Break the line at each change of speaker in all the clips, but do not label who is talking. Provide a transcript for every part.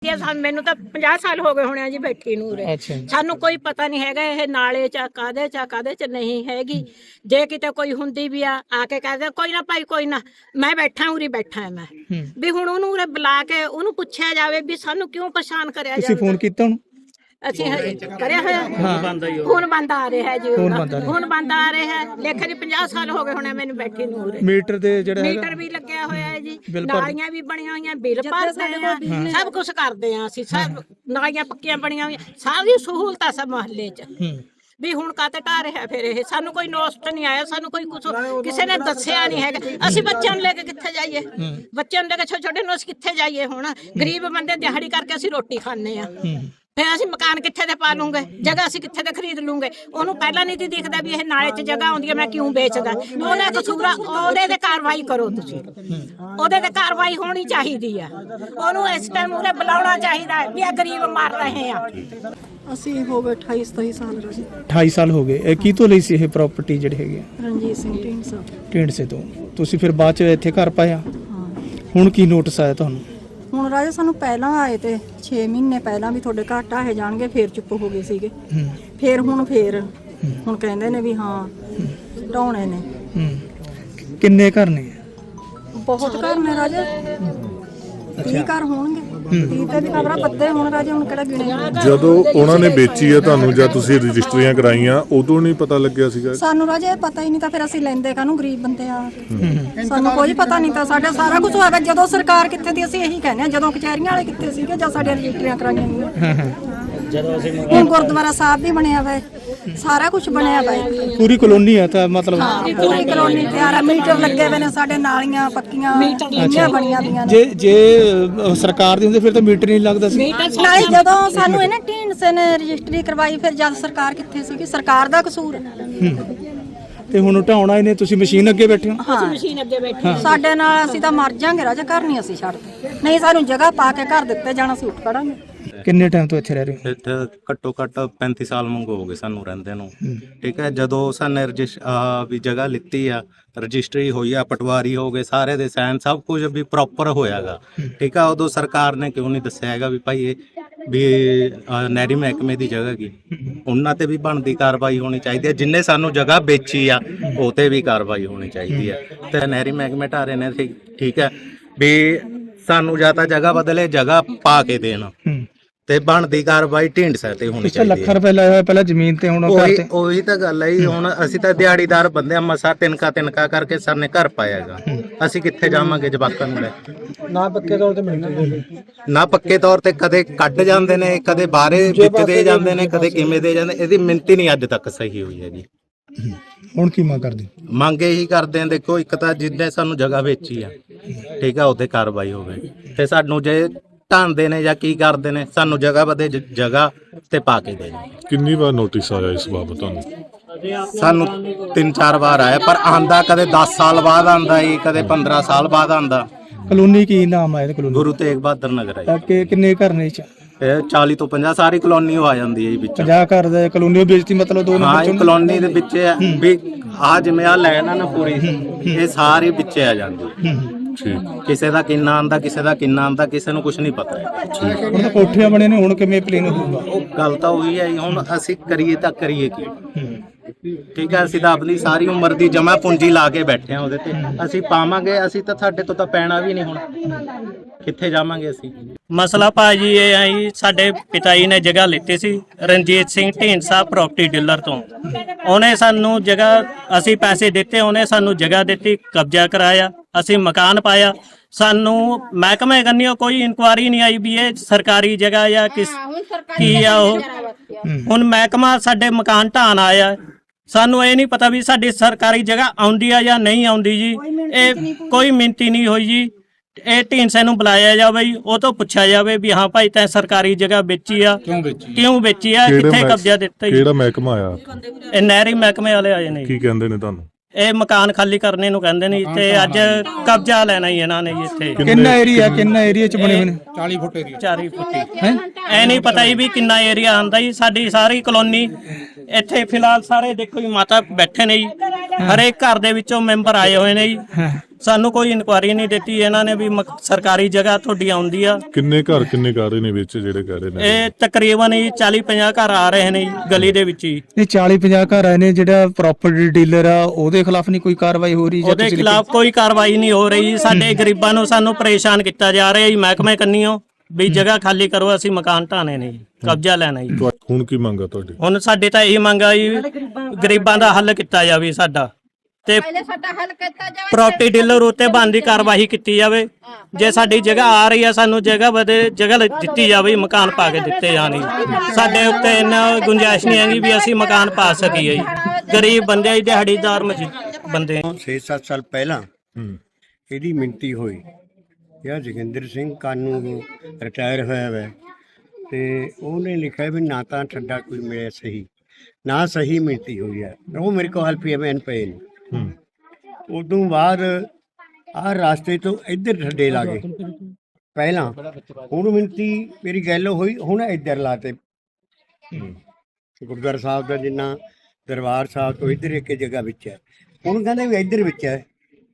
ਮੈਨੂੰ ਤਾਂ 50 ਸਾਲ ਹੋ ਗਏ ਹੋਣੇ ਆ ਜੀ ਬੈਠੀ ਨੂੰ ਉਰੇ। ਸਾਨੂੰ ਕੋਈ ਪਤਾ ਨਹੀਂ ਹੈਗਾ ਇਹ ਨਾਲੇ ਚ ਕਾਦੇ ਚ ਨਹੀਂ ਹੈਗੀ। ਜੇ ਕਿਤੇ ਕੋਈ ਹੁੰਦੀ ਵੀ ਆ ਕੇ ਕਹਦੇ ਕੋਈ ਨਾ ਭਾਈ ਕੋਈ ਨਾ ਮੈਂ ਬੈਠਾ ਉਰੀ ਬੈਠਾ ਮੈਂ ਵੀ ਹੁਣ ਉਹਨੂੰ ਉਰੇ ਬੁਲਾ ਕੇ ਉਹਨੂੰ ਪੁੱਛਿਆ ਜਾਵੇ ਵੀ ਸਾਨੂੰ ਕਿਉਂ ਪਰੇਸ਼ਾਨ ਕਰਿਆ ਜਾਵੇ।
ਤੁਸੀਂ ਫੋਨ ਕੀਤਾ ਉਹਨੂੰ?
ਅਸੀਂ ਕਰਿਆ ਹੋਇਆ ਹੁਣ ਬੰਦ ਆ ਰਿਹਾ ਜੀ ਹੁਣ ਬੰਦ ਆ ਰਿਹਾ ਲੇਖੇ ਜੀ 50 ਸਾਲ ਹੋ ਗਏ ਹੋਣੇ ਮੈਨੂੰ ਬੈਠੀ ਨੂੰ ਉਰੇ।
ਮੀਟਰ ਦੇ ਜਿਹੜਾ
ਮੀਟਰ ਵੀ ਲੱਗਿਆ ਹੋਇਆ ਹੈ ਜੀ, ਨਾਲੀਆਂ ਵੀ ਬਣੀਆਂ ਹੋਈਆਂ, ਬਿੱਲ ਭਰਦੇ ਆ, ਸਭ ਕੁਝ ਕਰਦੇ ਆ ਅਸੀਂ। ਸਭ ਨਾਲੀਆਂ ਪੱਕੀਆਂ ਬਣੀਆਂ ਹੋਈਆਂ, ਸਾਰੀ ਸਹੂਲਤਾਂ ਸਭ ਮੁਹੱਲੇ 'ਚ ਵੀ ਹੁਣ ਕਾਤੇ ਢਾ ਰਿਹਾ ਫਿਰ ਇਹ। ਸਾਨੂੰ ਕੋਈ ਨੋਸਟ ਨਹੀਂ ਆਇਆ, ਸਾਨੂੰ ਕੋਈ ਕੁਝ ਕਿਸੇ ਨੇ ਦੱਸਿਆ ਨਹੀਂ ਹੈਗਾ। ਅਸੀਂ ਬੱਚਿਆਂ ਨੂੰ ਲੈ ਕੇ ਕਿੱਥੇ ਜਾਈਏ? ਬੱਚਿਆਂ ਨੂੰ ਲੈ ਕੇ ਛੋਟੇ ਛੋਟੇ ਨੂੰ ਅਸੀਂ ਕਿੱਥੇ ਜਾਈਏ? ਹੁਣ ਗਰੀਬ ਬੰਦੇ ਦਿਹਾੜੀ ਕਰਕੇ ਅਸੀਂ ਰੋਟੀ ਖਾਂਦੇ ਆ, ਫਿਰ ਅਸੀਂ ਮਕਾਨ ਕਿੱਥੇ ਦੇ ਪਾ ਲੂੰਗੇ? ਜਗ੍ਹਾ ਅਸੀਂ ਕਿੱਥੇ ਦੇ ਖਰੀਦ ਲੂੰਗੇ? ਉਹਨੂੰ ਪਹਿਲਾਂ ਨਹੀਂ ਦਿਖਦਾ ਵੀ ਇਹ ਨਾਲੇ 'ਚ ਜਗ੍ਹਾ ਆਉਂਦੀ ਹੈ ਮੈਂ ਕਿਉਂ ਵੇਚਦਾ। ਉਹਦਾ ਕਸੂਰਾ ਉਹਦੇ ਤੇ ਕਾਰਵਾਈ ਕਰੋ ਤੁਸੀਂ, ਉਹਦੇ ਤੇ ਕਾਰਵਾਈ ਹੋਣੀ ਚਾਹੀਦੀ ਆ। ਉਹਨੂੰ ਇਸ ਟਾਈਮ ਉਹਨੇ ਬੁਲਾਉਣਾ ਚਾਹੀਦਾ ਵੀ ਇਹ ਗਰੀਬ ਮਰ ਰਹੇ ਆ।
ਅਸੀਂ ਹੋ ਗਏ 28-27 ਸਾਲ ਜੀ।
28 ਸਾਲ ਹੋ ਗਏ। ਇਹ ਕੀ ਤੋਂ ਲਈ ਸੀ ਇਹ ਪ੍ਰਾਪਰਟੀ ਜਿਹੜੀ ਹੈਗੀ ਆ?
ਰਣਜੀਤ ਸਿੰਘ
ਢੀਂਡਸੇ ਤੋਂ। ਤੁਸੀਂ ਫਿਰ ਬਾਅਦ ਚ ਇੱਥੇ ਘਰ ਪਾਇਆ? ਹੁਣ ਕੀ ਨੋਟਿਸ ਆਇਆ ਤੁਹਾਨੂੰ?
ਹੁਣ ਰਾਜਾ ਸਾਨੂੰ ਪਹਿਲਾਂ ਆਏ ਤੇ 6 ਮਹੀਨੇ ਪਹਿਲਾਂ ਵੀ ਤੁਹਾਡੇ ਘਰ ਢਾਹੇ ਜਾਣਗੇ, ਫੇਰ ਚੁੱਪ ਹੋ ਗਏ ਸੀਗੇ। ਫੇਰ ਹੁਣ ਕਹਿੰਦੇ ਨੇ ਵੀ ਹਾਂ ਢਾਉਣੇ ਨੇ।
ਕਿੰਨੇ ਘਰ ਨੇ?
ਬਹੁਤ ਘਰ ਨੇ ਰਾਜਾ, 30 ਘਰ ਹੋਣਗੇ। 30 ਤੇ ਵੀ ਖਬਰਾਂ ਪੱਤੇ ਹੁਣ ਰਾਜਾ, ਹੁਣ ਕਿਹੜਾ ਗਿਣੇ।
ਜਦੋਂ ਉਹਨਾਂ ਨੇ ਵੇਚੀ ਹੈ ਤੁਹਾਨੂੰ ਜਾਂ ਤੁਸੀਂ ਰਜਿਸਟਰੀਆਂ ਕਰਾਈਆਂ ਉਦੋਂ ਨਹੀਂ ਪਤਾ ਲੱਗਿਆ ਸੀਗਾ?
ਸਾਨੂੰ ਰਾਜਾ ਪਤਾ ਹੀ ਨਹੀਂ ਤਾਂ ਫਿਰ ਅਸੀਂ ਲੈਂਦੇ ਕਾਹਨੂੰ, ਗਰੀਬ ਬੰਦੇ ਆ। ਸਾਨੂੰ ਕੋਈ ਪਤਾ ਨਹੀਂ ਤਾਂ ਸਾਡਾ ਸਾਰਾ ਕੁਝ ਹੋਇਆ। ਜਦੋਂ ਸਰਕਾਰ ਕਿੱਥੇ ਦੀ ਅਸੀਂ ਇਹੀ ਕਹਿੰਦੇ ਆ, ਜਦੋਂ ਕਚਹਿਰੀਆਂ ਵਾਲੇ ਕਿੱਥੇ ਸੀਗੇ ਜਾਂ ਸਾਡੇ ਰਜਿਸਟਰੀਆਂ ਕਰਾਈਆਂ ਗਈਆਂ। ਹੁਣ ਗੁਰਦੁਆਰਾ ਸਾਹਿਬ ਵੀ ਬਣਿਆ ਵਾ, ਸਾਰਾ ਕੁਝ ਬਣਿਆ ਵਾ।
ਪੂਰੀ ਕਲੋਨੀ ਆ ਤਾਂ ਮਤਲਬ?
ਪੂਰੀ ਕਲੋਨੀ ਤਿਆਰ ਆ, ਮੀਟਰ ਲੱਗੇ ਹੋਏ ਨੇ ਸਾਡੇ, ਨਾਲੀਆਂ ਪੱਕੀਆਂ ਬਣੀਆਂ ਪਈਆਂ ਨੇ।
ਜੇ ਸਰਕਾਰ ਦੀ ਹੁੰਦੀ ਫਿਰ ਤਾਂ ਮੀਟਰ ਨਹੀਂ ਲੱਗਦਾ ਸੀ।
ਨਾਲੇ ਜਦੋਂ ਸਾਨੂੰ ਇਹਨੇ ਢੀਂਡਸੇ ਨੇ ਰਜਿਸਟਰੀ ਕਰਵਾਈ, ਫਿਰ ਜਦ ਸਰਕਾਰ ਕਿੱਥੇ ਸੀਗੀ? ਸਰਕਾਰ ਦਾ ਕਸੂਰ ਹੈ।
ਤੇ ਹੁਣ ਢਾਉਣਾ ਇਹਨੇ, ਤੁਸੀਂ ਮਸ਼ੀਨ ਅੱਗੇ ਬੈਠੇ ਹੋ?
ਅਸੀਂ ਮਸ਼ੀਨ ਅੱਗੇ ਬੈਠੇ
ਸਾਡੇ ਨਾਲ ਅਸੀਂ ਤਾਂ ਮਰ ਜਾਾਂਗੇ ਰਾਜਾ, ਘਰ ਨਹੀਂ ਅਸੀਂ ਛੱਡਦੇ। ਨਹੀਂ ਸਾਨੂੰ ਜਗ੍ਹਾ ਪਾ ਕੇ ਘਰ ਦਿੱਤੇ ਜਾਣਾ, ਅਸੀਂ ਉੱਠ ਖੜਾਂਗੇ।
ਕਿੰਨੇ ਟਾਈਮ ਤੋਂ ਇੱਥੇ ਰਹਿ ਰਹੇ ਹੋ?
ਇੱਥੇ ਘੱਟੋ ਘੱਟ 35 ਸਾਲ ਮੰਗੋ ਹੋ ਗਏ ਸਾਨੂੰ ਰਹਿੰਦੇ ਨੂੰ। ਠੀਕ ਹੈ, ਜਦੋਂ ਸਾਨੇ ਵੀ ਜਗ੍ਹਾ ਲਿੱਤੀ ਆ, ਰਜਿਸਟਰੀ ਹੋਈ ਆ, ਪਟਵਾਰੀ ਹੋ ਗਏ, ਸਾਰੇ ਦੇ ਸਾਈਨ ਸਭ ਕੁਝ ਵੀ ਪ੍ਰੋਪਰ ਹੋਇਆਗਾ। ਠੀਕ ਆ, ਉਦੋਂ ਸਰਕਾਰ ਨੇ ਕਿਉਂ ਨਹੀਂ ਦੱਸਿਆ ਹੈਗਾ ਵੀ ਭਾਈ ਇਹ ਵੀ ਨਹਿਰੀ ਮਹਿਕਮੇ ਦੀ ਜਗ੍ਹਾ ਕੀ? ਉਹਨਾਂ ਤੇ ਵੀ ਬਣਦੀ ਕਾਰਵਾਈ ਹੋਣੀ ਚਾਹੀਦੀ ਹੈ। ਜਿੰਨੇ ਸਾਨੂੰ ਜਗ੍ਹਾ ਵੇਚੀ ਆ ਉਹ ਤੇ ਵੀ ਕਾਰਵਾਈ ਹੋਣੀ ਚਾਹੀਦੀ ਹੈ। ਤੇ ਨਹਿਰੀ ਮਹਿਕਮੇ ਢਾਰੇ ਨੇ ਠੀਕ ਹੈ ਵੀ ਸਾਨੂੰ ਜਾਂ ਤਾਂ ਜਗ੍ਹਾ ਬਦਲੇ, ਜਗ੍ਹਾ ਪਾ ਕੇ ਦੇਣ ਤੇ ਬਣਦੀ ਕਾਰਵਾਈ ਢੀਂਡਸੇ ਤੇ ਹੋਣੀ ਚਾਹੀਦੀ ਹੈ।
ਲੱਖ ਰੁਪਏ ਲਾਇਆ ਹੋਇਆ ਪਹਿਲਾਂ ਜ਼ਮੀਨ ਤੇ, ਹੁਣ
ਉਹੀ ਤਾਂ ਗੱਲ ਹੈ। ਹੁਣ ਅਸੀਂ ਤਾਂ ਦਿਹਾੜੀਦਾਰ ਬੰਦੇ ਆ, ਮਸਾ ਤਿੰਨਕਾ ਕਰਕੇ ਸਰ ਨੇ ਘਰ ਪਾਇਆਗਾ। ਅਸੀਂ ਕਿੱਥੇ ਜਾਵਾਂਗੇ ਜਵਾਕਾਂ ਨੂੰ ਲੈ?
ਨਾ ਪੱਕੇ ਤੌਰ ਤੇ ਮਿਲਦੇ,
ਨਾ ਪੱਕੇ ਤੌਰ ਤੇ ਕਦੇ ਕੱਢ ਜਾਂਦੇ ਨੇ, ਕਦੇ ਬਾਹਰੇ ਵਿੱਚ ਦੇ ਜਾਂਦੇ ਨੇ, ਕਦੇ ਕਿਵੇਂ ਦੇ ਜਾਂਦੇ। ਇਹਦੀ ਮਿੰਤੀ ਨਹੀਂ ਅੱਜ ਤੱਕ ਸਹੀ ਹੋਈ ਹੈ ਜੀ।
ਹੁਣ ਕੀ ਮੰਗ ਕਰਦੇ?
ਮੰਗ ਇਹੀ ਕਰਦੇ ਆ, ਦੇਖੋ ਇੱਕ ਤਾਂ ਜਿੱਦਾਂ ਸਾਨੂੰ ਜਗ੍ਹਾ ਵੇਚੀ ਆ, ਠੀਕ ਆ, ਉਹਤੇ ਕਾਰਵਾਈ ਹੋਵੇ। ਤੇ ਸਾਨੂੰ ਜੇ ਢਾਂਦੇ ਨੇ ਜਾਂ ਕੀ ਕਰਦੇ ਨੇ, ਸਾਨੂੰ ਜਗ੍ਹਾ ਬਦੇ ਜਗ੍ਹਾ ਤੇ ਪਾ ਕੇ ਦੇ।
ਕਿੰਨੀ ਵਾਰ ਨੋਟਿਸ ਆਇਆ ਇਸ ਬਾਬਤ ਤੁਹਾਨੂੰ?
ਸਾਨੂੰ 3-4 ਵਾਰ ਆਇਆ, ਪਰ ਆਂਦਾ ਕਦੇ 10 ਸਾਲ ਬਾਅਦ ਆਂਦਾ ਈ, ਕਦੇ 15 ਸਾਲ ਬਾਅਦ ਆਂਦਾ।
ਕਲੋਨੀ ਕੀ ਨਾਮ ਹੈ? ਕਲੋਨੀ
ਗੁਰੂ ਤੇਗ ਬਹਾਦਰ ਨਗਰ ਹੈ।
ਕਿੰਨੇ ਘਰ ਨੇ?
ਇਹ 40 ਤੋਂ 50 ਸਾਰੀ ਕਲੋਨੀ ਆ ਜਾਂਦੀ ਹੈ ਵਿੱਚ।
50 ਘਰ ਦੇ ਕਲੋਨੀ ਵੇਚਤੀ ਮਤਲਬ? ਦੋ
ਹਾਂ, ਇਹ ਕਲੋਨੀ ਦੇ ਵਿੱਚ ਵੀ ਆ ਜਿਵੇਂ ਆ ਲੈਣ ਆ ਨਾ ਪੂਰੀ, ਇਹ ਸਾਰੀ ਵਿੱਚ ਆ ਜਾਂਦੀ। ਕਿਸੇ ਦਾ ਕਿੰਨਾ ਆਂਦਾ, ਕਿਸੇ ਦਾ ਕਿੰਨਾ ਆਂਦਾ, ਕਿਸੇ ਨੂੰ ਕੁਝ ਨਹੀਂ ਪਤਾ।
ਹੁਣ ਤਾਂ ਕੋਠੀਆਂ ਬਣੇ ਨੇ, ਹੁਣ ਕਿਵੇਂ ਪਲੇਨ ਹੋਊਗਾ?
ਉਹ ਗੱਲ ਤਾਂ ਉਹੀ ਹੈ। ਹੁਣ ਅਸੀਂ ਕਰੀਏ ਤਾਂ ਕਰੀਏ ਕੀ? ਠੀਕ ਹੈ, ਅਸੀਂ ਤਾਂ ਆਪਣੀ ਸਾਰੀ ਉਮਰ ਦੀ ਜਮਾ ਪੂੰਜੀ ਲਾ ਕੇ ਬੈਠੇ ਆ ਉਹਦੇ ਤੇ। ਅਸੀਂ ਪਾਵਾਂਗੇ, ਅਸੀਂ ਤਾਂ ਸਾਡੇ ਤੋਂ ਤਾਂ ਪੈਣਾ ਵੀ ਨਹੀਂ। ਹੁਣ ਕਿੱਥੇ ਜਾਵਾਂਗੇ ਅਸੀਂ?
ਮਸਲਾ ਭਾਜੀ ਇਹ ਹੈ ਜੀ, ਸਾਡੇ ਪਿਤਾ ਜੀ ਨੇ ਜਗ੍ਹਾ ਲਿੱਤੀ ਸੀ ਰਣਜੀਤ ਸਿੰਘ ਢੀਂਡਸਾ ਪ੍ਰਾਪਰਟੀ ਡੀਲਰ ਤੋਂ। ਉਹਨੇ ਸਾਨੂੰ ਜਗ੍ਹਾ, ਅਸੀਂ ਪੈਸੇ ਦਿੱਤੇ, ਉਹਨੇ ਸਾਨੂੰ ਜਗ੍ਹਾ ਦਿੱਤੀ, ਕਬਜ਼ਾ ਕਰਾਇਆ, ਅਸੀਂ ਮਕਾਨ ਪਾਇਆ। ਸਾਨੂੰ ਮਹਿਕਮੇ ਕੰਨਿਓ ਕੋਈ ਇਨਕੁਆਰੀ ਨਹੀਂ ਆਈ ਵੀ ਇਹ ਸਰਕਾਰੀ ਜਗ੍ਹਾ ਜਾਂ ਕੀ ਆ ਉਹ। ਹੁਣ ਮਹਿਕਮਾ ਸਾਡੇ ਮਕਾਨ ਢਾਣ ਆਇਆ, ਸਾਨੂੰ ਇਹ ਨਹੀਂ ਪਤਾ ਵੀ ਸਾਡੀ ਸਰਕਾਰੀ ਜਗ੍ਹਾ ਆਉਂਦੀ ਆ ਜਾਂ ਨਹੀਂ ਆਉਂਦੀ ਜੀ। ਇਹ ਕੋਈ ਮਿੰਤੀ ਨਹੀਂ ਹੋਈ ਜੀ। ਇਹ ਢੀਂਡਸੇ ਨੂੰ ਬੁਲਾਇਆ ਜਾਵੇ ਜੀ, ਉਹ ਤੋਂ ਪੁੱਛਿਆ ਜਾਵੇ ਵੀ ਹਾਂ ਭਾਈ ਤੈਂ ਸਰਕਾਰੀ ਜਗ੍ਹਾ ਵੇਚੀ ਆ, ਕਿਉਂ ਵੇਚੀ ਆ, ਕਿੱਥੇ ਕਬਜ਼ਾ ਦਿੱਤਾ ਜੀ?
ਕਿਹੜਾ ਮਹਿਕਮਾ ਆਇਆ?
ਇਹ ਨਹਿਰੀ ਮਹਿਕਮੇ ਵਾਲੇ ਆਏ ਨੇ।
ਕੀ ਕਹਿੰਦੇ ਨੇ ਤੁਹਾਨੂੰ?
ਇਹ ਮਕਾਨ ਖਾਲੀ ਕਰਨੇ ਨੂੰ ਕਹਿੰਦੇ ਨੇ ਤੇ ਅੱਜ ਕਬਜ਼ਾ ਲੈਣਾ ਹੀ ਇਹਨਾਂ ਨੇ ਜੀ। ਇੱਥੇ
ਕਿੰਨਾ ਏਰੀਆ ਚ ਬਣੇ ਹੋਏ ਨੇ?
40 ਫੁੱਟ ਐ ਨਹੀਂ ਪਤਾ ਜੀ ਵੀ ਕਿੰਨਾ ਏਰੀਆ ਆਂਦਾ ਜੀ। ਸਾਡੀ ਸਾਰੀ ਕਲੋਨੀ ਇੱਥੇ ਫਿਲਹਾਲ ਸਾਰੇ ਦੇਖੋ ਜੀ ਮਾਤਾ ਬੈਠੇ ਨੇ ਜੀ, ਹਰੇਕ ਘਰ ਦੇ ਵਿੱਚੋਂ ਮੈਂਬਰ ਆਏ ਹੋਏ ਨੇ ਜੀ। ਸਾਨੂੰ ਕੋਈ ਇਨਕੁਆਇਰੀ ਨਹੀਂ ਦਿੱਤੀ ਇਹਨਾਂ ਨੇ ਵੀ ਸਰਕਾਰੀ ਜਗ੍ਹਾ ਤੁਹਾਡੀ ਆਉਂਦੀ ਆ।
ਕਿੰਨੇ ਘਰ ਰਹੇ ਨੇ ਵਿੱਚ ਜਿਹੜੇ ਕਹਿ ਰਹੇ ਨੇ?
ਇਹ ਤਕਰੀਬਨ ਹੀ 40-50 ਘਰ ਆ ਰਹੇ ਨੇ ਗਲੀ ਦੇ ਵਿੱਚ ਹੀ।
ਇਹ 40-50 ਘਰ ਆਏ ਨੇ, ਜਿਹੜਾ ਪ੍ਰਾਪਰਟੀ ਡੀਲਰ ਆ ਉਹਦੇ ਖਿਲਾਫ ਨਹੀਂ ਕੋਈ ਕਾਰਵਾਈ ਹੋ ਰਹੀ?
ਉਹਦੇ ਖਿਲਾਫ ਕੋਈ ਕਾਰਵਾਈ ਨਹੀਂ ਹੋ ਰਹੀ। ਸਾਡੇ ਗਰੀਬਾਂ ਨੂੰ ਸਾਨੂੰ ਪਰੇਸ਼ਾਨ ਕੀਤਾ ਜਾ ਰਿਹਾ ਜੀ ਮਹਿਕਮੇ ਕੰਨੀਓ ਵੀ ਜਗ੍ਹਾ ਖਾਲੀ ਕਰੋ, ਅਸੀਂ ਮਕਾਨ ਢਾਣੇ ਨੇ ਜੀ, ਕਬਜ਼ਾ ਲੈਣਾ ਜੀ।
ਹੁਣ ਕੀ ਮੰਗਾ ਤੁਹਾਡੀ?
ਹੁਣ ਸਾਡੇ ਤਾਂ ਇਹ ਮੰਗ ਆ ਜੀ ਗਰੀਬਾਂ ਦਾ ਹੱਲ ਕੀਤਾ ਜਾਵੇ ਸਾਡਾ, ਤੇ ਪ੍ਰਾਪਰਟੀ ਡੀਲਰ ਉੱਤੇ ਬਣਦੀ ਕਾਰਵਾਈ ਕੀਤੀ ਜਾਵੇ। ਜੇ ਸਾਡੀ ਜਗ੍ਹਾ ਆ ਰਹੀ ਆ ਸਾਨੂੰ ਜਗ੍ਹਾ ਦਿੱਤੀ ਜਾਵੇ, ਮਕਾਨ ਪਾ ਕੇ ਦਿੱਤੇ ਜਾਣ ਜੀ। ਸਾਡੇ ਉੱਤੇ ਇੰਨਾ ਗੁੰਜਾਇਸ਼ ਨਹੀਂ ਹੈਗੀ ਵੀ ਅਸੀਂ ਮਕਾਨ ਪਾ ਸਕੀਏ ਜੀ। ਗਰੀਬ ਬੰਦੇ ਜੀ, ਦਿਹਾੜੀਦਾਰ ਬੰਦੇ।
6-7 ਸਾਲ ਪਹਿਲਾਂ ਇਹਦੀ ਮਿਣਤੀ ਹੋਈ ਯਾ ਜੋਗਿੰਦਰ ਸਿੰਘ ਕਾਨੂੰ ਰਿਟਾਇਰ ਹੋਇਆ ਵਾ, ਤੇ ਉਹਨੇ ਲਿਖਿਆ ਵੀ ਨਾ ਤਾਂ ਠੱਡਾ ਕੋਈ ਮਿਲਿਆ ਸਹੀ, ਨਾ ਸਹੀ ਮਿਣਤੀ ਹੋਈ ਹੈ। ਉਹ ਮੇਰੇ ਕੋਲ ਹਲਪੀਐਮਐਨ ਪਏ ਨੇ। ਉਦੋਂ ਬਾਅਦ ਆਹ ਰਾਸਤੇ ਤੋਂ ਇੱਧਰ ਠੱਡੇ ਲਾ ਗਏ ਪਹਿਲਾਂ, ਹੁਣ ਮਿਣਤੀ ਮੇਰੀ ਗੱਲ ਹੋਈ, ਹੁਣ ਇੱਧਰ ਲਾਤੇ। ਗੁਰਦੁਆਰਾ ਸਾਹਿਬ ਦਾ ਜਿੰਨਾ ਦਰਬਾਰ ਸਾਹਿਬ ਤੋਂ ਇੱਧਰ ਇੱਕ ਜਗ੍ਹਾ ਵਿੱਚ ਹੈ, ਹੁਣ ਕਹਿੰਦੇ ਵੀ ਇੱਧਰ ਵਿੱਚ ਹੈ।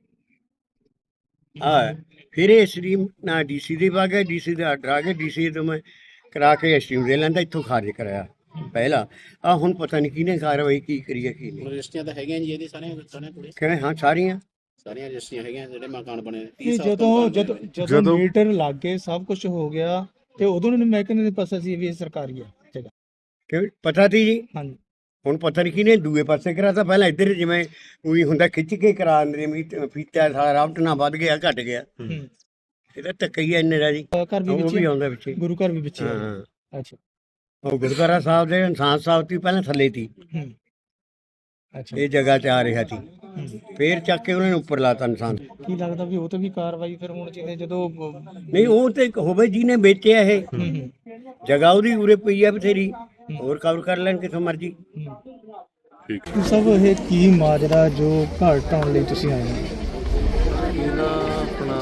ਫਿਰ ਇਹ ਸਟ੍ਰੀਮ ਨਾ ਡੀਸੀ ਦੇ ਪਾ ਗਿਆ, ਡੀਸੀ ਦਾ ਆਰਡਰ ਆ ਗਿਆ, ਡੀਸੀ ਤੋਂ ਮੈਂ ਕਰਾ ਕੇ ਸਟ੍ਰੀਮ ਦੇ ਲੈਂਦਾ, ਇੱਥੋਂ ਖਾਰਜ ਕਰਾਇਆ ਪਹਿਲਾਂ। ਹੁਣ ਪਤਾ ਨਹੀਂ ਕਿਹਨੇ ਕਾਰਵਾਈ ਕੀ ਕਰੀ ਹੈ ਕੀ ਨਹੀਂ।
ਰਜਿਸਟਰੀਆਂ ਤਾਂ ਹੈਗੀਆਂ ਜੀ ਇਹਦੇ ਸਾਰੀਆਂ ਕੋਲੇ?
ਕਿਵੇਂ? ਹਾਂ ਸਾਰੀਆਂ
ਰਜਿਸਟਰੀਆਂ ਹੈਗੀਆਂ ਜਿਹੜੇ ਮਕਾਨ ਬਣੇ।
ਜਦੋਂ ਮੀਟਰ ਲੱਗ ਗਏ ਸਭ ਕੁਝ ਹੋ ਗਿਆ ਤੇ ਉਦੋਂ ਨੂੰ ਮਹਿਕਮੇ ਦੇ ਪਾਸੇ ਸੀ ਵੀ ਇਹ ਸਰਕਾਰੀ ਹੈ ਜਗ੍ਹਾ।
ਕਿਵੇਂ ਪਤਾ ਸੀ ਜੀ?
ਹਾਂਜੀ।
ਹੁਣ ਪਤਾ ਨਹੀਂ ਕਿਹਨੇ ਦੂਏ ਪਾਸੇ ਕਰਾਤਾ। ਪਹਿਲਾਂ ਇੱਧਰ ਜਿਵੇਂ ਉਹੀ ਹੁੰਦਾ ਖਿੱਚ ਕੇ ਕਰਾ ਦਿੰਦੇ, ਫੀਤਾ ਸਾਰਾ ਰਾਵਟ ਨਾ ਵੱਧ ਗਿਆ ਘਟ ਗਿਆ। ਇਹਦਾ ਧੱਕਈਆ ਇੰਨੇ ਦਾ ਜੀ।
ਘਰ ਵੀ
ਉਹ ਵੀ ਆਉਂਦਾ ਵਿੱਚ,
ਗੁਰੂ ਘਰ ਵੀ ਵਿੱਚ।
ਹਾਂ।
ਅੱਛਾ।
ਉਹ ਗੁਰਦੁਆਰਾ ਸਾਹਿਬ ਦੇ ਇਨਸਾਨ ਸਾਹਿਬ ਤੋਂ ਪਹਿਲਾਂ ਥੱਲੇ ਸੀ,
ਅੱਛਾ,
ਇਹ ਜਗ੍ਹਾ 'ਚ ਆ ਰਿਹਾ ਸੀ, ਫੇਰ ਚੱਕ ਕੇ ਉਹਨਾਂ ਨੇ ਉੱਪਰ ਲਾਤਾ ਇਨਸਾਨ।
ਕੀ ਲੱਗਦਾ ਵੀ ਉਹ ਤੇ ਵੀ ਕਾਰਵਾਈ ਫਿਰ ਹੁਣ ਜਿਹਨੇ ਜਦੋਂ
ਨਹੀਂ ਉਹ ਤੇ ਹੋਵੇ ਜਿਹਨੇ ਵੇਚਿਆ ਇਹ ਜਗ੍ਹਾ, ਉਹਦੀ ਉਰੇ ਪਈ ਆ ਬਥੇਰੀ, ਹੋਰ ਕਵਰ ਕਰ ਲੈਣ ਕਿਥੋਂ ਮਰਜੀ।
ਸਭ ਇਹ ਕੀ ਮਾਜਰਾ ਜੋ ਘਰ ਢਾਉਣ ਲਈ ਤੁਸੀਂ ਆਏ ਹੋ?
ਇਹਦਾ ਆਪਣਾ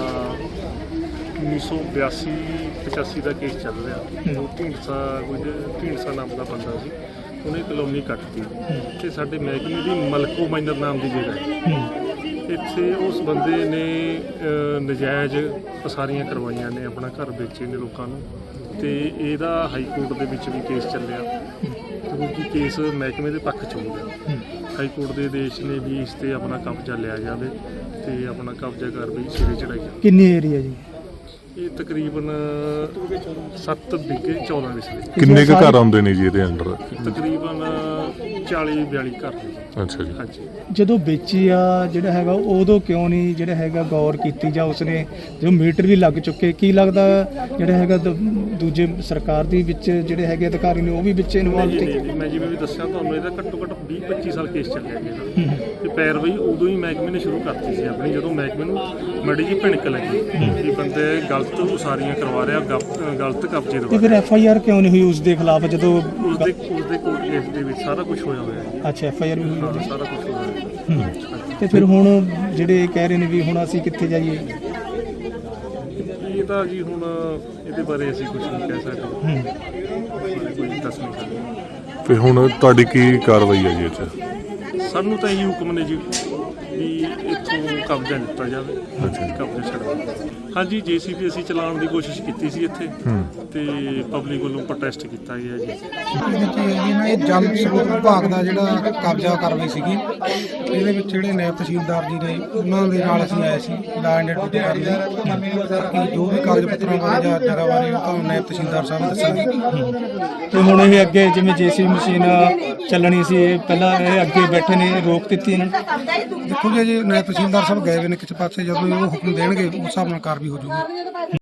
1982-85 ਦਾ ਕੇਸ ਚੱਲ ਰਿਹਾ। ਉਹ ਢੀਂਡਸਾ ਨਾਮ ਦਾ ਬੰਦਾ ਸੀ, ਉਹਨੇ ਕਲੋਨੀ ਕੱਟਤੀ ਤੇ ਸਾਡੇ ਮਹਿਕਮੇ ਦੀ ਮਲਕੋ ਮਾਈਨਰ ਨਾਮ ਦੀ ਜਗ੍ਹਾ ਹੈ। ਇੱਥੇ ਉਸ ਬੰਦੇ ਨੇ ਨਜਾਇਜ਼ ਪਸਾਰੀਆਂ ਕਰਵਾਈਆਂ ਨੇ, ਆਪਣਾ ਘਰ ਵੇਚੇ ਨੇ ਲੋਕਾਂ ਨੂੰ, ਤੇ ਇਹਦਾ ਹਾਈ ਕੋਰਟ ਦੇ ਵਿੱਚ ਵੀ ਕੇਸ ਚੱਲਿਆ ਕਿਉਂਕਿ ਕੇਸ ਮਹਿਕਮੇ ਦੇ ਪੱਖ 'ਚ ਹੋ ਗਿਆ। ਹਾਈ ਕੋਰਟ ਦੇ ਆਦੇਸ਼ ਨੇ ਵੀ ਇਸ ਤੇ ਆਪਣਾ ਕਬਜ਼ਾ ਲਿਆ ਜਾਵੇ ਤੇ ਆਪਣਾ ਕਬਜ਼ਾ ਕਾਰਵਾਈ ਸਿਰੇ ਚੜਾਈ ਜਾਵੇ।
ਕਿੰਨੀ ਏਰੀਆ ਜੀ?
ਇਹ ਤਕਰੀਬਨ 7 ਵਿਗੇ 14 ਵਿਸਲੇ।
ਕਿੰਨੇ ਕੁ ਘਰ ਆਉਂਦੇ ਨੇ ਜੀ ਇਹਦੇ ਅੰਡਰ?
ਤਕਰੀਬਨ 40-42 ਘਰ ਨੇ।
ਅੱਛਾ ਜੀ।
ਹਾਂਜੀ।
ਜਦੋਂ ਵੇਚੀ ਆ ਜਿਹੜਾ ਹੈਗਾ ਉਦੋਂ ਕਿਉਂ ਨਹੀਂ ਜਿਹੜਾ ਹੈਗਾ ਗੌਰ ਕੀਤੀ ਜਾਂ ਉਸਨੇ ਜੋ ਮੀਟਰ ਵੀ ਲੱਗ ਚੁੱਕੇ, ਕੀ ਲੱਗਦਾ ਜਿਹੜਾ ਹੈਗਾ ਦੂਜੇ ਸਰਕਾਰ ਦੀ ਵਿੱਚ ਜਿਹੜੇ ਹੈਗੇ ਅਧਿਕਾਰੀ ਨੇ ਉਹ ਵੀ ਵਿੱਚ ਇਨਵੋਲਵ ਸੀ?
ਮੈਂ ਜਿਵੇਂ ਵੀ ਦੱਸਿਆ ਤੁਹਾਨੂੰ, ਇਹਦਾ ਘੱਟੋ ਘੱਟ 20-25 ਸਾਲ ਕੇਸ ਚੱਲਿਆ ਗਿਆ ਤੇ ਪੈਰਵਾਈ ਉਦੋਂ ਹੀ ਮਹਿਕਮੇ ਨੇ ਸ਼ੁਰੂ ਕਰਤੀ ਸੀ ਆਪਣੀ, ਜਦੋਂ ਮਹਿਕਮੇ ਨੂੰ ਮਾੜੀ ਜਿਹੀ ਭਿਣਕ ਲੱਗੀ ਕਿ ਬੰਦੇ ਗਲਤ ਉਸਾਰੀਆਂ ਕਰਵਾ ਰਿਹਾ, ਗਲਤ ਕਬਜ਼ੇ
ਤੇ ਫਿਰ FIR ਕਿਉਂ ਨਹੀਂ ਹੋਈ ਉਸ ਦੇ ਖਿਲਾਫ ਜਦੋਂ
ਉਸਦੇ ਕੋਰਟ ਕੇਸ ਦੇ ਵਿੱਚ ਸਾਰਾ ਕੁਝ ਹੋਇਆ ਹੋਇਆ?
ਅੱਛਾ, FIR ਵੀ ਹੋਈ?
ਸਾਰਾ ਕੁਝ ਹੋਇਆ।
ਤੇ ਫਿਰ ਹੁਣ ਜਿਹੜੇ ਕਹਿ ਰਹੇ ਨੇ ਵੀ ਹੁਣ ਅਸੀਂ ਕਿੱਥੇ ਜਾਈਏ?
ਇਹ ਤਾਂ ਜੀ ਹੁਣ ਇਹਦੇ ਬਾਰੇ ਅਸੀਂ ਕੁਝ ਨਹੀਂ ਕਹਿ ਸਕਦੇ, ਕੋਈ ਦੱਸ ਨਹੀਂ ਸਕਦੇ।
ਤੇ ਹੁਣ ਤੁਹਾਡੀ ਕੀ ਕਾਰਵਾਈ ਹੈ ਜੀ ਇੱਥੇ?
ਸਾਨੂੰ ਤਾਂ ਇਹ ਹੁਕਮ ਨੇ ਜੀ ਵੀ ਇੱਥੋਂ ਕਬਜ਼ਾ ਲਿੱਤਾ ਜਾਵੇ, ਕਬਜ਼ਾ ਛੱਡਵਾ। ਹਾਂਜੀ, JCB ਅਸੀਂ ਚਲਾਉਣ ਦੀ ਕੋਸ਼ਿਸ਼ ਕੀਤੀ ਸੀ ਇੱਥੇ ਤੇ ਪਬਲਿਕ ਵੱਲੋਂ ਪ੍ਰੋਟੈਸਟ ਕੀਤਾ ਗਿਆ ਜੀ।
ਇਹ ਜਲ ਸਰੋਤ ਵਿਭਾਗ ਦਾ ਜਿਹੜਾ ਕਬਜ਼ਾ ਕਾਰਵਾਈ ਸੀਗੀ, ਇਹਦੇ ਵਿੱਚ ਜਿਹੜੇ ਨਾਇਬ ਤਹਿਸੀਲਦਾਰ ਜੀ ਨੇ ਉਹਨਾਂ ਦੇ ਨਾਲ ਅਸੀਂ ਆਏ ਸੀ ਲਾ ਐਂਡ ਡਿਊਟੀ ਕਰਨ ਲਈ, ਕਿ ਜੋ ਵੀ ਕਾਗਜ਼ ਪੱਤਰਾਂ ਬਾਰੇ ਜਾਂ ਜਗ੍ਹਾ ਬਾਰੇ ਉਹ ਤਾਂ ਨਾਇਬ ਤਹਿਸੀਲਦਾਰ ਸਾਹਿਬ ਦੱਸਣਗੇ।
ਤੇ ਹੁਣ ਇਹ ਅੱਗੇ ਜਿਵੇਂ JCB ਮਸ਼ੀਨ ਚੱਲਣੀ ਸੀ, ਪਹਿਲਾਂ ਇਹ ਅੱਗੇ ਬੈਠੇ ਨੇ, ਰੋਕ ਦਿੱਤੀ ਇਹਨਾਂ ਨੇ?
ਦੇਖੋ ਜੀ ਨਾਇਬ ਤਹਿਸੀਲਦਾਰ ਸਾਹਿਬ ਗਏ ਹੋਏ ਨੇ ਕਿਸੇ ਪਾਸੇ, ਜਦੋਂ ਉਹ ਹੁਕਮ ਦੇਣਗੇ ਉਸ ਹਿਸਾਬ ਨਾਲ ਕਾਰਵਾਈ ਹੋ ਜਾਊਗੀ।